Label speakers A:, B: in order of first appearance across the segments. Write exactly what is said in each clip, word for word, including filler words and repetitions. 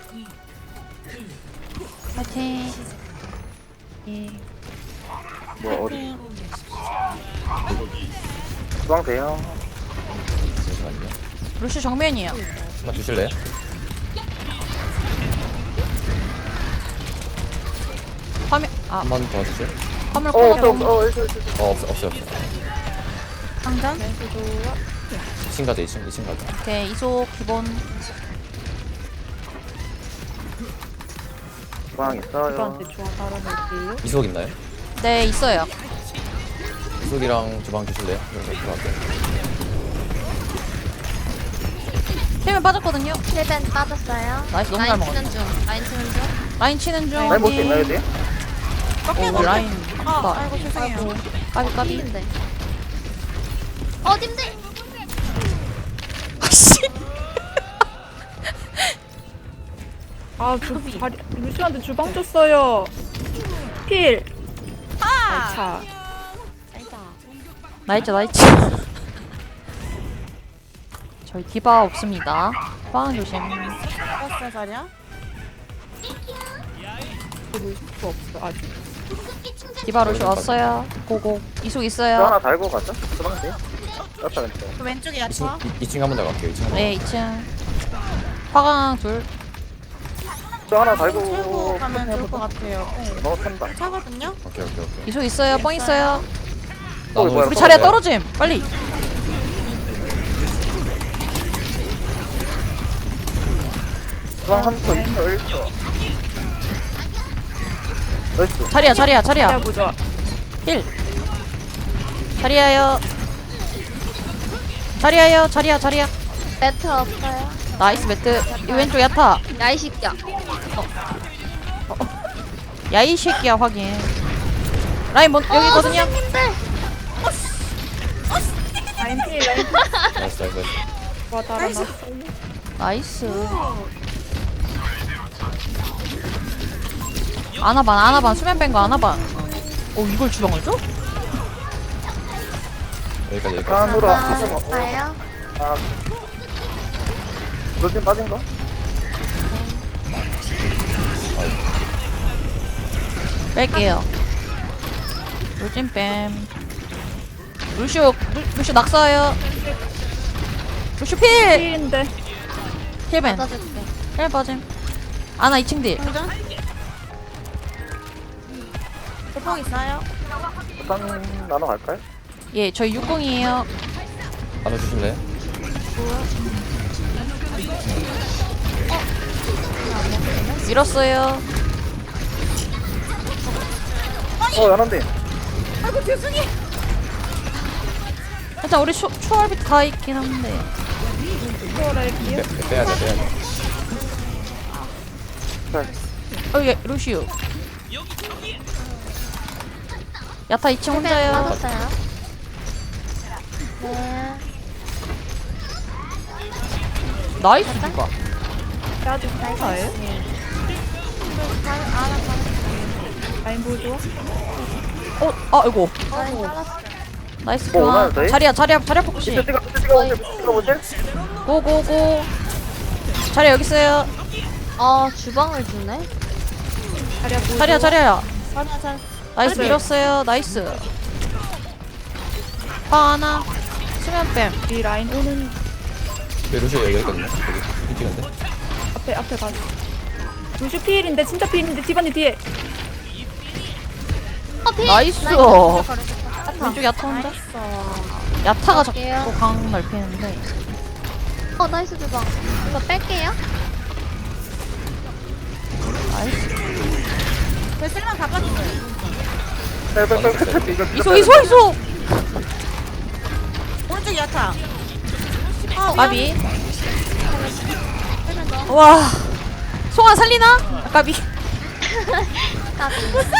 A: 파이팅.
B: 뭐 어디 주방 돼요.
C: 잠시만요.
A: 루시 정면이요.
C: 한번 주실래요?
A: 화면 아
C: 한 번 더 주실?
A: 화물
B: 어 없어
A: 꺼.
B: 없어 어 있어 있어 있어.
C: 어 없어 없어 없어.
A: 상전.
C: 이 층 가자 이 층 이 층 가자.
A: 오케이 이속 기본.
B: 주방 있어요.
D: 저한테 조화 달아낼게요.
C: 이속 있나요?
A: 네 있어요.
C: 이속이랑 주방 주실래요? 그래서 들어갈게요.
A: 힐면 빠졌거든요.
E: 힐벤 빠졌어요.
A: 나이스 너무 잘
E: 라인
A: 먹었어.
E: 치는 중. 라인 치는 중.
A: 라인 치는 중.
B: 라인 볼수 있나요 돼?
A: 오 라인. 아
D: 아이고 죄송해요.
A: 까비 까비.
E: 힘인데. 어 님들.
A: 아씨.
D: 아, 주, 자리, 루시한테 주방 줬어요. 필. 아, 차.
A: 나이츠 나이츠. 저희 디바 없습니다. 빵 조심.
D: 떴어 자리야? 루시 없어 아직.
A: 디바 루시 왔어요. 고고. 이속
B: 저
A: 있어요.
B: 하나 달고 가자. 주방 돼. 떴다 근데.
D: 그 왼쪽에
C: 이 층 이 층 한 번 더 갈게요. 이 층.
A: 네 이 층. 화강 둘.
B: 저 하나
D: 틀고
B: 달고
D: 가면 좋을 것 같아요. 네.
B: 너 탄다.
D: 차거든요?
C: 오케이 오케이 오케이.
A: 이속 있어요. 뻥 있어요.
B: 어, 뭐야,
A: 우리
B: 또
A: 자리에
B: 뭐야?
A: 떨어짐. 빨리.
B: 주방 한 초, 이 초, 일 초. 나이스.
A: 자리야 자리야
D: 야
A: 자리야.
D: 보자.
A: 힐. 자리야요. 자리야요. 자리야 자리야.
E: 매트 없어요.
A: 나이스 매트. 이 왼쪽 야타.
E: 야이 새끼야.
A: 야이 새끼야 확인. 라인 뭐 여기 있거든요.
E: 님들.
D: 라인 필 라인 필.
C: 나이스 나이스 나이스.
D: 조화 달아놨어.
A: 나이스. 아나반 아나반 수면 뺀거 아나반. 오 이걸 주방을 줘?
C: 여기까지 여기까지.
B: 칸으로
E: 아,
B: 하자. 어,
E: 됐어요.
B: 아. 루틴 빠진 거?
A: 뺄게요. 루진 뺨. 루슈 루, 루슈 낙서요. 루슈 필.
D: 필인데.
A: 힐벤.
E: 받아줄게.
A: 힐 빠짐. 아나 이 층 딜.
D: 대펑 있어요?
B: 일단 나눠 갈까요?
A: 예 저희 육공이에요.
C: 나눠 주실래요?
A: 밀었어요.
B: 어, 연한데.
A: 일단 우리 초, 초월빛 다 있긴 한데.
D: 피어랄게요.
C: 빼, 빼야 돼 빼야 돼.
B: 자,
A: 어예 루시우. 야타 이 층
E: 힐벤
A: 혼자요.
E: 빠졌어요. 네.
A: 나이스 누가.
D: 아직 사예요? 라인 보조.
A: 어, 아 이거.
E: 라인 잘랐어.
A: 나이스
B: 뭐
A: 교환.
B: 오나요, 저희?
A: 자리야 자리야 자리야 폭시.
B: 찍어, 찍어, 찍어, 찍어, 찍어, 찍어,
A: 고고고. 자리야 여기 있어요.
E: 어 주방을 주네.
D: 자리야 보조.
A: 자리야 자리야.
D: 자리야 잘.
A: 나이스
D: 네.
A: 밀었어요. 나이스. 파 하나. 수면 뺨.
D: 이 라인 오는
C: 왜 루시 여기 있거든요. 여기 이 찍은데.
D: 앞에 앞에 가자. 루시 필인데 진짜 필인데 디바니 뒤에.
E: 어 피.
A: 나이스.
E: 라인 버렸어.
A: 왼쪽 야타 혼자. 야타가 자꾸
E: 갈게요.
A: 강 넓히는데.
E: 어 나이스 주방. 이거 뺄게요.
A: 나이스.
D: 제 실만 다 빠졌어요.
B: 빨리, 빨리, 빨리, 빨리, 이거
A: 이소 이소 이소.
D: 오른쪽 야타.
A: 까비. 와. 송아 살리나? 아, 까비.
E: 까비.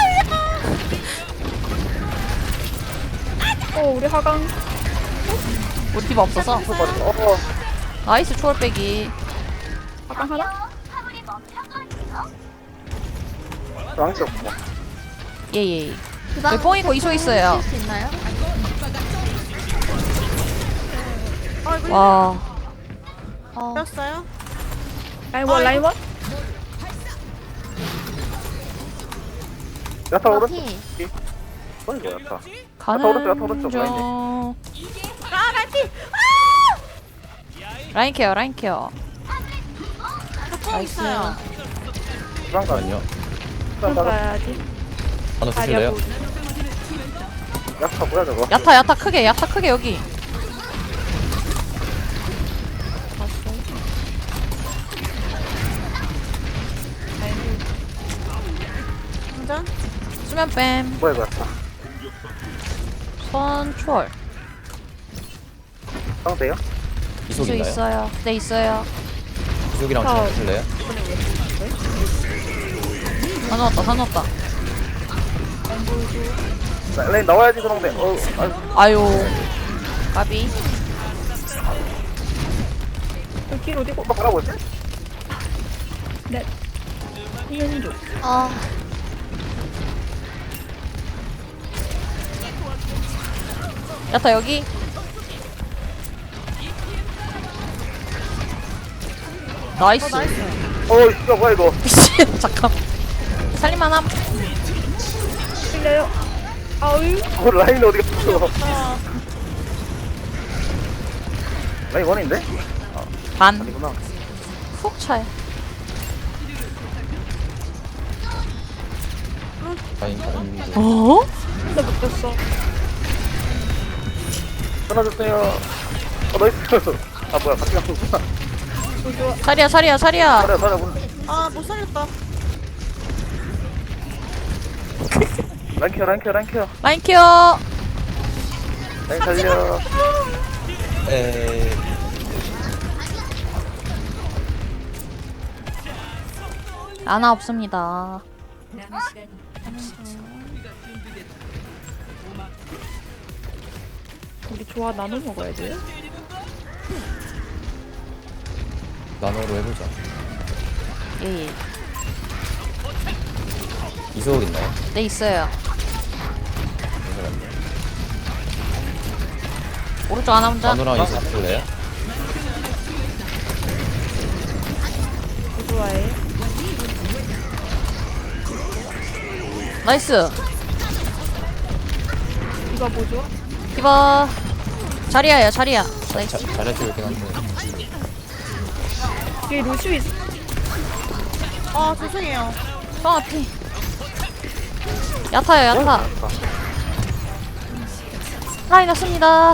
D: 어 우리 하강.
A: 우리 디바 없어서.
B: 어,
A: 나이스 초월 빼기.
D: 하강 하나?
B: 왕치 없고.
A: 예예.
E: 주방
A: 여기 뽕 있고 이소 있어요.
E: 쓸수 있나요?
A: 와.
E: 어.
D: 뺐어요? 라인 원 라인 원?
B: 야타 오른쪽.
E: 피.
B: 뭐 이거 야타.
A: 가는
B: 오른쪽, 야타 오른쪽,
A: 중.
D: 아 라이피.
A: 라인 케어 라인 케어. 나이스.
B: 주방 가.
C: 아니요.
B: 주방 가.
D: 가야지.
C: 하나
D: 다리야
C: 주실래요?
D: 보.
B: 야타 뭐야 저거?
A: 야타 야타 크게 야타 크게 여기. 수면 뺨.
B: 뭐야 이거 야타.
A: 선초월.
B: 상대요?
A: 기수
C: 이속인가요?
A: 있어요. 네 있어요.
C: 이속이랑
D: 아.
C: 저랑 주실래요?
A: 다 넣었다 다 넣었다.
B: 라- 라인 나와야지 그런데. 어. 아,
A: 아유. 까비.
D: 길 어디고?
B: 오빠 뭐라고 했지?
D: 네. 이현이 줘.
E: 아,
A: 야타 여기. 나이스.
B: 어 이거 뭐야 이거?
A: 미친 잠깐. 살림만함.
D: 틀려요. 아유.
B: 어 라인 어디 갔어? 라인 원인데?
A: 반.
B: 아니구나.
A: 훅 차요.
C: 아니 아니
A: 어?
D: 나 못했어.
B: 끊어주세요. 어 나이스. 아 뭐야 같이 갔구나.
A: 자리야 자리야 자리야.
B: 살려 살려 문.
F: 아, 못 살렸다.
B: 라인 케어 라인 케어 라인 케어.
A: 라인 케어.
B: 라인 살려.
C: 에이
A: 아나 없습니다.
D: 우리 조화 나눠 먹어야 돼.
C: 나노로 해보자.
A: 예, 예.
C: 이속 있나요?
A: 네 있어요.
C: 잠시만요.
A: 오른쪽 하나 혼자.
C: 나노랑 이속 주실래요?
D: 좋아해.
A: 나이스.
D: 이거 뭐죠?
A: 이봐. 자리야야 자리야.
C: 자,
A: 나이스.
C: 잘해주고 있긴 한데
D: 뒤에 루슈 있어.
F: 아, 죄송해요.
A: 성아 피. 야타요 야타. 라인 왔습니다.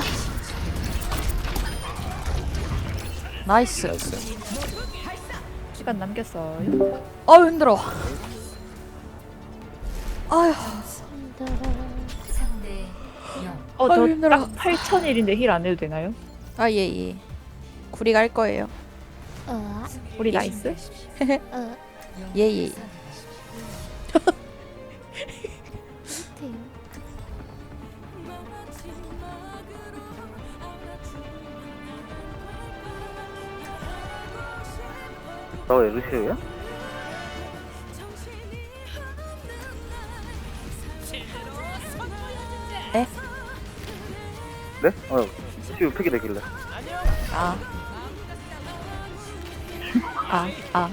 A: 나이스.
C: 나이스.
D: 시간 남겼어요.
A: 어우 힘들어. 아휴.
D: 어,
A: 아유, 힘들어.
D: 저딱 팔천 일인데 힐 안 해도 되나요?
A: 아 예예. 구리 갈 거예요.
E: 어,
D: 우리 나이스?
E: 어,
A: 예예.
B: 너왜 루시우야?
A: 네?
B: 네? 어 루시우 픽이 되길래.
A: 아. 아 아.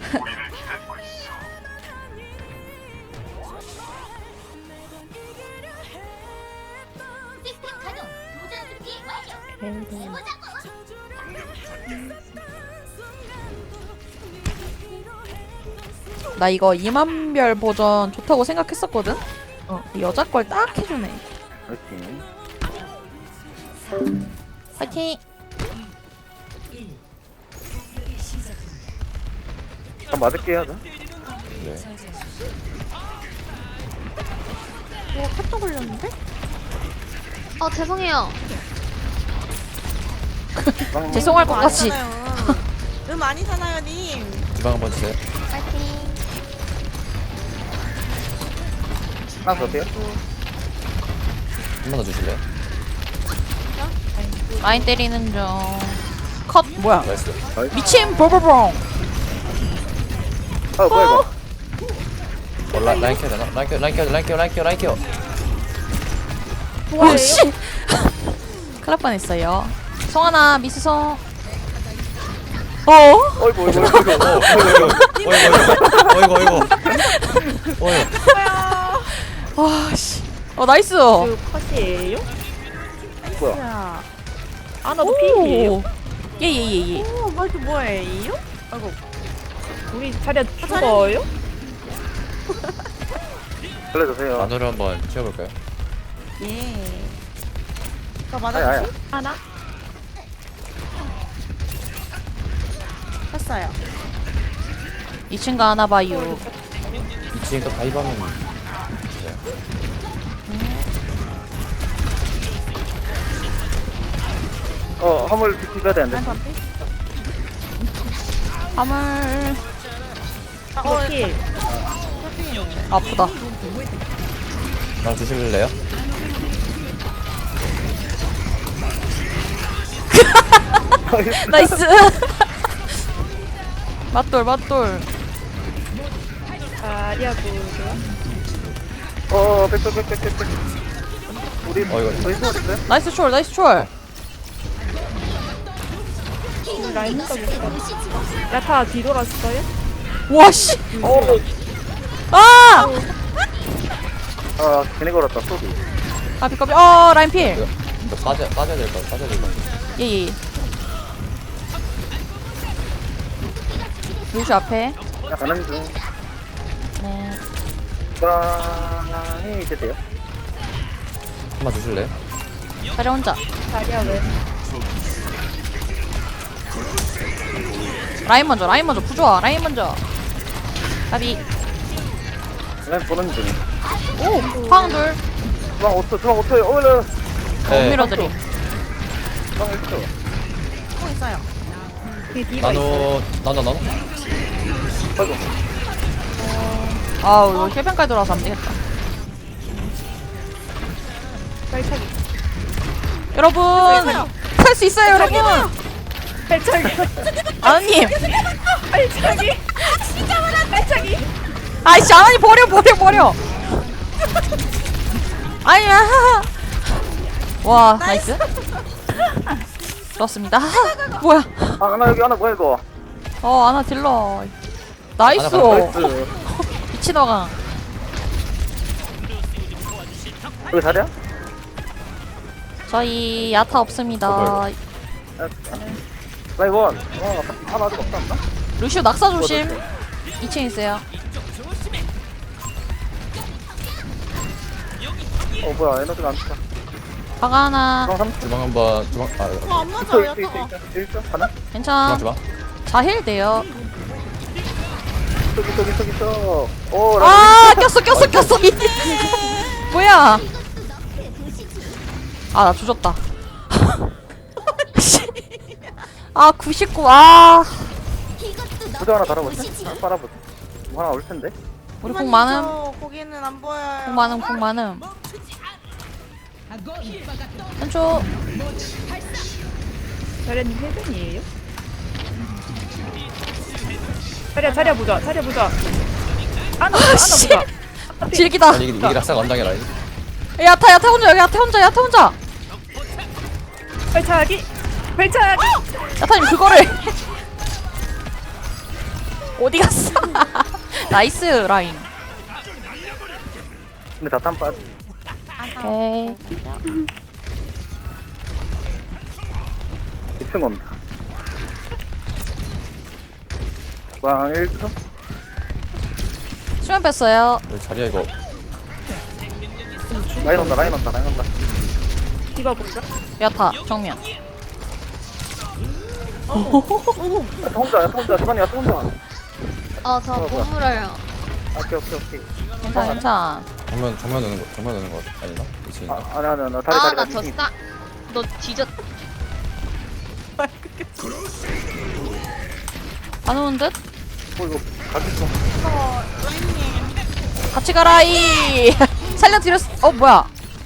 A: 나 이거 이만별 버전 좋다고 생각했었거든? 어, 여자 걸 딱 해주네.
B: 그렇지.
A: 파이팅!
B: 한 맞을게 하자.
C: 네.
E: 뭐 카톡 올렸는데? 어, 죄송해요.
B: 주방
A: 죄송할 것 같이.
F: 음 많이 사나요, 님?
C: 주방 한번 주세요.
E: 파이팅.
B: 하나 더 돼요?
C: 한 번 더 주실래요?
A: 라인 때리는 중. 컷! 뭐야?
C: 나이스.
A: 미친! 볼볼봉!
B: 아 뭐야 이거?
C: 어, 라, 라인 켜야 되나? 라인 켜, 라인 켜, 라인 켜, 라인 켜, 라인 켜.
A: 와, 씨! 큰일 날 뻔했어요. 성하나, 미스성. 어?
B: 어이구 어이구 어이구 어이구.
C: 어이구, 어이구, 어이구, 어이구, 어이구. 어이구.
A: 나이스.
D: 그 컷이에요?
B: 뭐야?
F: 야.
D: 아나도 피해요?
A: 예예예 예.
F: 오, 말도 뭐예요? 아이고.
D: 우리 자리야 죽어요?
B: 살려주세요.
C: 만으로 한번 치워볼까요?
F: 예. 나
B: 아야, 아야.
F: 맞아주지?
D: 하나?
F: 했어요.
A: 이 층 가나 봐요.
C: 이 층 또 가입하면
B: 어, 화물 비켜야 되는데.
F: 난 반피.
A: 화물
F: 아, 어,
D: 킬.
A: 아프다.
C: 랑 주실래요?
A: 나이스. 맞돌 맞돌.
D: 자리야 보죠.
B: 어, 백백, 백백, 백백. 우리,
C: 어, 이거-
B: 저희 수고했어요?
A: 나이스 촐 나이스 촐.
D: 라인 혼자 못 가. 야타 뒤돌았어요?
A: 와씨.
B: 어,
A: 아.
B: 아, 괜히 걸었다, 소리.
A: 까비 까비. 어 라인 필.
C: 이거 이거 빠져 빠져야 될 거 빠져야 될 거.
A: 예예. 루시 앞에.
B: 야, 가는 중.
A: 네.
B: 주방이 이제 돼요.
C: 한번 주실래요?
A: 자리 혼자.
D: 자리야 왜?
A: 라인 먼저 라인 먼저 부좋아 라인 먼저. 까비.
B: 그냥 보는 중.
A: 오 파운돌.
B: 주방 오 초, 주방 오 초에, 어머나.
C: 네.
A: 밀어드림.
B: 주방 일 초.
F: 또 있어요.
D: 뒤에 디바 있어.
C: 나노 나노 나노.
B: 아이고.
A: 아우 이거 힐변까지 돌아서 안 되겠다.
D: 발차기.
A: 여러분 탈 수 있어요 여러분.
D: 발차기.
A: 아느님.
D: 발차기. 진짜 많아 발차기.
A: 아이씨 아나니 버려 버려 버려. 아니야. 와 나이스. 좋았습니다. 뭐야?
B: 아, 하나 여기 하나 뭐야, 이거.
A: 어 아나 딜러. 나이스.
C: 아나 봐,
B: 나이스.
A: 미친어강.
B: 여기 자리야?
A: 저희 야타 없습니다.
B: 라이원. 어, 하나 아직 없다, 없나?
A: 루시오 낙사 조심. 이 층 있어요.
B: 어, 뭐야, 에너지가 안 차.
A: 방 하나.
B: 주방 삼 초.
C: 주방 한번 주방 아
F: 어, 안 맞아,
B: 있어, 있어,
F: 야타가.
B: 있어, 있어. 일 초? 하나?
A: 괜찮아.
C: 주방 주방.
A: 자힐 돼요.
B: 저기, 저기, 저기, 저. 오, 라이원.
A: 아 꼈어 꼈어 꼈어. 뭐야? 아 나 조졌다. 아 구십구. 아
B: 부자 하나 달아보자. 하나 빨아보자. 뭐 하나 올 텐데.
A: 우리 공 많음.
F: 저 거기는 안 보여요.
A: 공 많음 공 많음. 한초.
D: 자리야님 헬벤이에요? 자리야 자리야 보자. 자리야 보자. 아나 아나
A: 씨.
D: 보자.
A: 질기다.
C: 아니 이게 이게 낙사가 언당해 라인.
A: 야타 야타 혼자 여기 야타 혼자 야타 혼자.
D: 발차기. 발차기.
A: 야타님 그거를 어디 갔어? 나이스 라인.
B: 근데 다탄 빠지.
A: 오케이.
B: 이 층 온다. 주방 일 초?
A: 수면 뺐어요.
C: 여기 자리야 이거.
B: 라인 온다, 라인 온다, 라인 온다.
D: 디바 보자.
A: 야타 정면.
B: 야, 혼자, 야, 혼자, 주방이야, 혼자.
E: 어, 저
B: 어, 뭐야.
E: 보물어요.
B: 오케이, 오케이, 오케이.
A: 괜찮아 괜찮아.
C: 정면 정면 오는 거 정면 오는 거 아니나? 이 층인가?
B: 아, 아니, 아니, 아니, 다리,
E: 아,
B: 다리,
E: 나
B: 다리.
E: 졌다. 너 뒤졌다.
A: 안 오는 듯?
B: 어, 이거 가기 좀.
F: 어, 라인님.
A: 같이 가라이. 살려드렸어. 어 뭐야?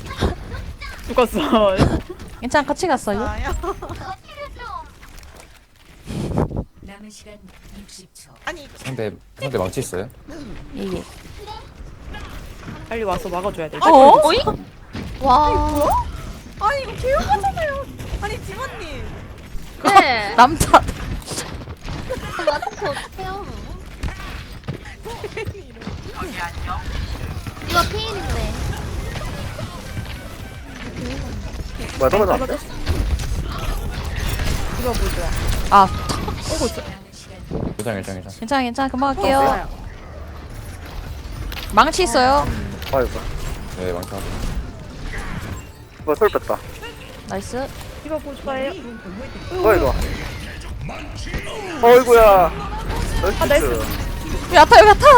D: 죽었어.
A: 괜찮아 같이 갔어요.
F: 나요?
G: 남은 시간 육십 초.
F: 아니,
C: 상대 상대 망치 있어요?
A: 예예.
D: 빨리 와서 막아줘야 돼.
A: 어?
E: 와.
F: 아니, 이거 개요하잖아요. 아니, 디모님.
E: 네.
A: 남자.
E: 맞춰 어떡해요. 이거 피인데.
B: 뭐야 너가 나왔어?
D: 이거 보자.
A: 아
D: 어이구, 저-
C: 일장 일장 일장.
A: 괜찮아 괜찮아 금방 갈게요.
D: 없어요.
A: 망치 있어요.
B: 아이고
C: 네 망쳐.
B: 뭐야 솔 뺐다
A: 나이스.
D: 이거 보자예요.
B: 뭐야 이거 어이구야
D: 아, 나이스.
A: 여기 야타 여기 야타.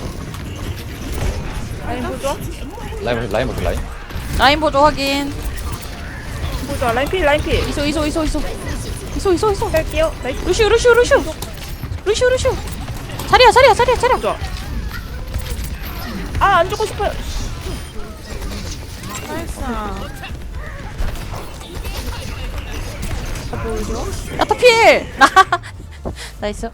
D: 라인 보자.
C: 라인 보자 라인 보자 라인.
A: 라인 보조 확인.
D: 보자. 라인 필, 라인 필.
A: 이소 이소 이소 이소 이소 이소 이소.
D: 갈게요. 나이스.
A: 루시우 루시우 루시우 루시우 루시우. 자리야 자리야 자리야 자리야.
D: 보자. 아, 안 죽고 싶어요.
F: 나이스.
A: 야타 필. 나이스.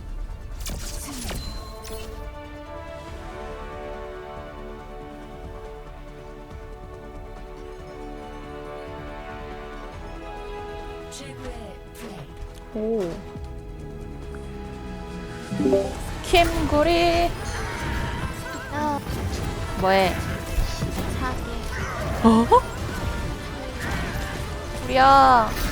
G: 최고의 플레이.
A: 오. 김구리.
E: 야,
A: 뭐해?
E: 사기.
A: 어? 구리야.